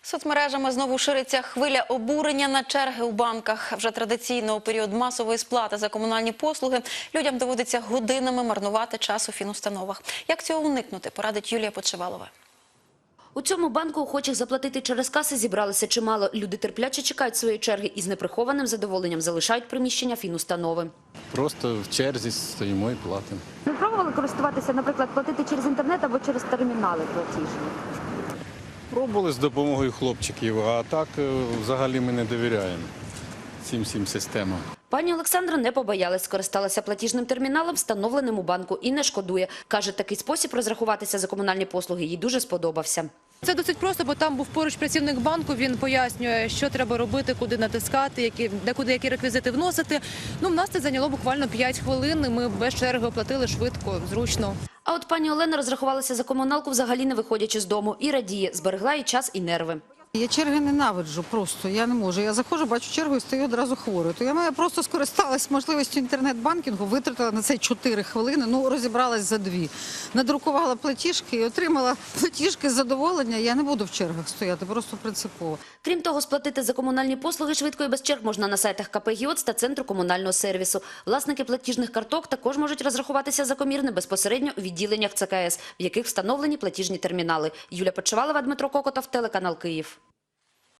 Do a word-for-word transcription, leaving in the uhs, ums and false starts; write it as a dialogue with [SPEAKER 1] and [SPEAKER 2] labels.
[SPEAKER 1] Соцмережами знову шириться хвиля обурення на черги у банках. Вже традиційно у період масової сплати за комунальні послуги людям доводиться годинами марнувати час у фінустановах. Як цього уникнути, порадить Юлія Подшивалова.
[SPEAKER 2] У цьому банку охочих заплатити через каси зібралося чимало. Люди терпляче чекають своєї черги і з неприхованим задоволенням залишають приміщення фінустанови.
[SPEAKER 3] Просто в черзі стоїмо і платимо.
[SPEAKER 2] Ви пробували користуватися, наприклад, платити через інтернет або через термінали платіжні?
[SPEAKER 3] Пробували з допомогою хлопчиків, а так взагалі ми не довіряємо цим всім системам.
[SPEAKER 2] Пані Олександра не побоялась, скористалася платіжним терміналом, встановленим у банку, і не шкодує. Каже, такий спосіб розрахуватися за комунальні послуги їй дуже сподобався.
[SPEAKER 4] Це досить просто, бо там був поруч працівник банку, він пояснює, що треба робити, куди натискати, які, де куди які реквізити вносити. Ну, в нас це зайняло буквально п'ять хвилин, і ми без черги оплатили швидко, зручно.
[SPEAKER 2] А от пані Олена розрахувалася за комуналку, взагалі не виходячи з дому, і радіє, зберегла і час, і нерви.
[SPEAKER 5] Я черги ненавиджу просто, я не можу. Я заходжу, бачу чергу і стою одразу хворою. То я просто скористалась можливістю інтернет-банкінгу, витратила на це чотири хвилини, ну розібралась за дві. Надрукувала платіжки і отримала платіжки з задоволення. Я не буду в чергах стояти, просто принципово.
[SPEAKER 2] Крім того, сплатити за комунальні послуги швидко і без черг можна на сайтах ка пе ГІОЦ та Центру комунального сервісу. Власники платіжних карток також можуть розрахуватися за комірне безпосередньо у відділеннях це ка ес, в яких встановлені платіжні термінали. Юлія Подшивалова, Дмитро Кокотов, телеканал Київ.